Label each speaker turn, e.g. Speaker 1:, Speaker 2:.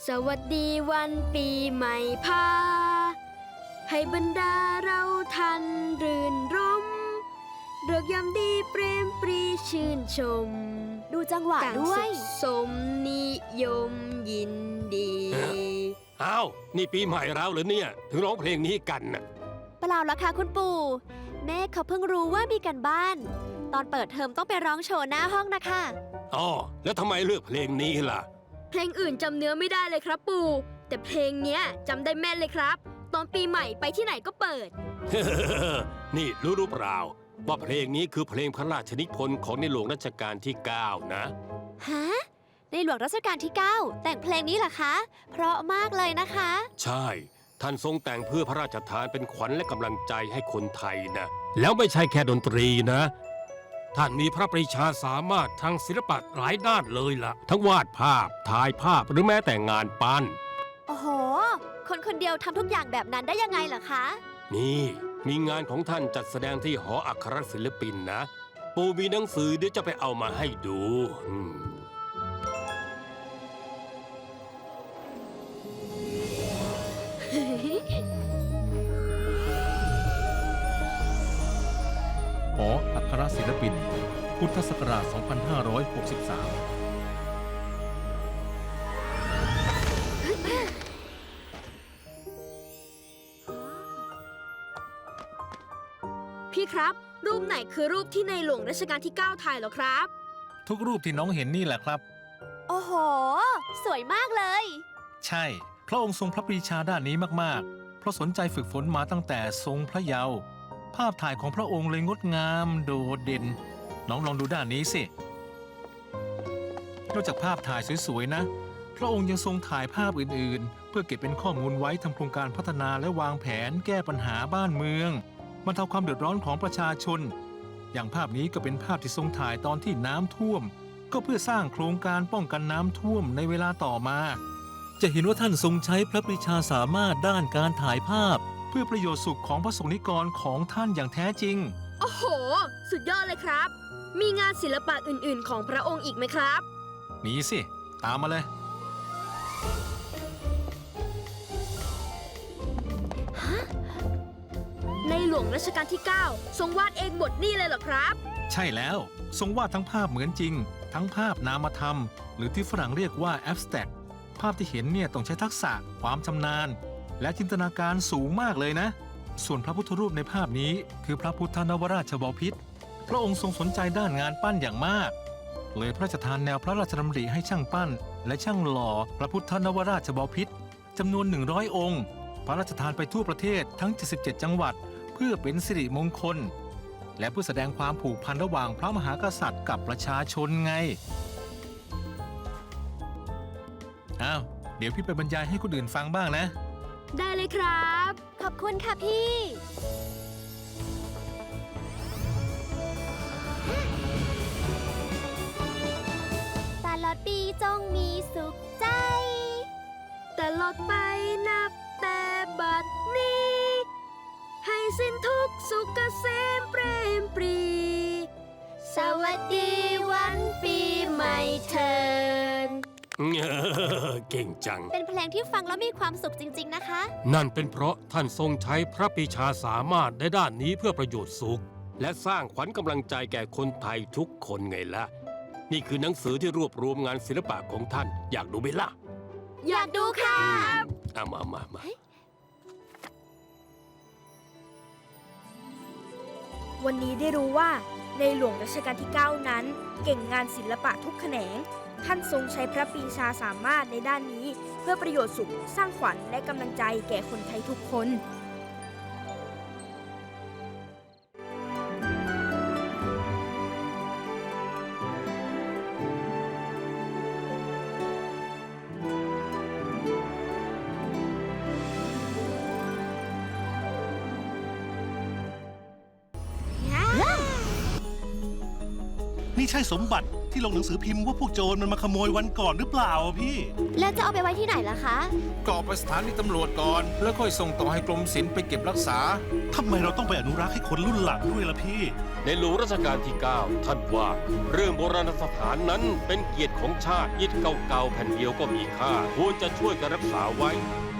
Speaker 1: สวัสดีวันปีใหม่พาให้บรรดาเราทันรื่นรมเริกยามดีเปรมปรีชื่นชม
Speaker 2: ดูจังหวะด้วย
Speaker 1: สมนิยมยินดี
Speaker 3: อ้าวนี่ปีใหม่แล้วเหรอเนี่ยถึงร้องเพลงนี้กันน่ะ
Speaker 2: เปล่าละค่ะคุณปู่แม่เขาเพิ่งรู้ว่ามีกันบ้าน ตอนเปิดเทอมต้องไปร้องโชว์หน้าห้องนะคะ
Speaker 3: อ๋อแล้วทำไมเลือกเพลงนี้ล่ะ
Speaker 1: เพลงอื่นจำเนื้อไม่ได้เลยครับปู่แต่เพลงเนี้ยจำได้แม่นเลยครับ ตอนปีใหม่ไปที่ไหนก็เปิด
Speaker 3: นี่รู้เปล่าว่าเพลงนี้คือเพลงพระราชนิพนธ์ของในหลวงรัชกาลที่ 9 นะ
Speaker 2: ฮะ ในหลวงรัชกาลที่ 9 แต่งเพลงนี้เหรอคะ เพราะมากเลยนะคะ
Speaker 3: ใช่ ท่านทรงแต่งเพื่อพระราชทานเป็นขวัญและกำลังใจให้คนไทยนะแล้วไม่ใช่แค่ดนตรีนะท่านมีพระปรีชาสามารถทางศิลปะหลายด้านเลยล่ะ ทั้งวาดภาพถ่ายภาพหรือแม้แต่งานปั้น
Speaker 2: โอ้โห คนคนเดียวทำทุกอย่างแบบนั้นได้ยังไงเหรอคะ
Speaker 3: นี่มีงานของท่านจัดแสดงที่หออัครศิลปินนะปู่มีหนังสือเดี๋ยวจะไปเอามาให้ดู
Speaker 4: หออัครศิลปิน พุทธศักราช 2563
Speaker 1: พี่ครับ รูปไหนคือรูปที่ในหลวงรัชกาลที่ 9 ถ่ายเหรอครับ
Speaker 4: ทุกรูปที่น้องเห็นนี่แหละครับ
Speaker 2: โอ้โห สวยมากเลย
Speaker 4: ใช่ พระองค์ทรงพระปรีชาด้านนี้มากๆ เพราะสนใจฝึกฝนมาตั้งแต่ทรงพระเยาว์ภาพถ่ายของพระองค์เลยงดงามโดดเด่น น้องลองดูด้านนี้สิ นอกจากภาพถ่ายสวยๆนะ พระองค์ยังทรงถ่ายภาพอื่นๆ เพื่อเก็บเป็นข้อมูลไว้ทำโครงการพัฒนาและวางแผนแก้ปัญหาบ้านเมืองบรรเทาความเดือดร้อนของประชาชน อย่างภาพนี้ก็เป็นภาพที่ทรงถ่ายตอนที่น้ำท่วม ก็เพื่อสร้างโครงการป้องกันน้ำท่วมในเวลาต่อมา จะเห็นว่าท่านทรงใช้พระปรีชาสามารถด้านการถ่ายภาพ เพื่อประโยชน์สุขของพระสงฆ์นิกรของท่านอย่างแท้จริง
Speaker 1: โอ้โห สุดยอดเลยครับ มีงานศิลปะอื่นๆ ของพระองค์อีกไหมครับ
Speaker 4: มีสิ ตามมาเลย
Speaker 1: ในหลวงรัชกาลที่ 9 ทรงวาดเองบทนี่เลยเหรอครับ
Speaker 4: ใช่แล้ว ทรงวาดทั้งภาพเหมือนจริง ทั้งภาพนามธรรม หรือที่ฝรั่งเรียกว่า abstract ภาพที่เห็นเนี่ยต้องใช้ทักษะ ความชำนาญ และจินตนาการสูงมากเลยนะ ส่วนพระพุทธรูปในภาพนี้คือพระพุทธนวราชบพิตรพระองค์ทรงสนใจด้านงานปั้นอย่างมาก เลยพระราชทานแนวพระราชดำริให้ช่างปั้น และช่างหล่อพระพุทธนวราชบพิตรจำนวน 100 องค์ พระราชทานไปทั่วประเทศทั้ง 77 จังหวัด เพื่อเป็นสิริมงคล และเพื่อแสดงความผูกพันระหว่างพระมหากษัตริย์กับประชาชนไง อ้าว เดี๋ยวพี่ไปบรรยายให้คนอื่นฟังบ้างนะ
Speaker 1: ได้เลยครับ
Speaker 2: ขอบคุณค่ะพี่ ตลอดปีจงมีสุขใจ
Speaker 1: แต่ลอดไปนับแต่บัดนี้ ให้สิ้นทุกข์สุขเกษมเปรมปรี สวัสดีวันปีใหม่เถิด
Speaker 3: เก่งจัง
Speaker 2: เป็นเพลงที่ฟังแล้วมีความสุขจริงๆนะคะ
Speaker 3: นั่นเป็นเพราะท่านทรงใช้พระปรีชาสามารถในด้านนี้เพื่อประโยชน์สุข และสร้างขวัญกำลังใจแก่คนไทยทุกคนไงล่ะ นี่คือหนังสือที่รวบรวมงานศิลปะของท่าน อยากดูไหมล่ะ
Speaker 1: อยากดูค่ะ
Speaker 3: มา
Speaker 5: วันนี้ได้รู้ว่าในหลวงรัชกาลที่ 9 นั้น เก่งงานศิลปะทุกแขนง ท่านทรงใช้พระปรีชาสามารถในด้านนี้ เพื่อประโยชน์สุข สร้างขวัญและกำลังใจแก่คนไทยทุกคน
Speaker 6: นี่ใช่สมบัติที่ลงหนังสือพิมพ์ว่าพวกโจรมันมาขโมยวันก่อนหรือเปล่าอะพี่
Speaker 2: แล้วจะเอาไปไว้ที่ไหนล่ะคะ
Speaker 4: ก็เอาไปสถานีตำรวจก่อน แล้วค่อยส่งต่อให้กรมศิลป์ไปเก็บรักษา
Speaker 6: ทำไมเราต้องไปอนุรักษ์ให้คนรุ่นหลังด้วยล่ะพี่
Speaker 3: ในหลวงรัชกาลที่ 9 ท่านว่า เรื่องโบราณสถานนั้นเป็นเกียรติของชาติอิฐเก่าๆแผ่นเดียวก็มีค่าควรจะช่วยกันรักษาไว้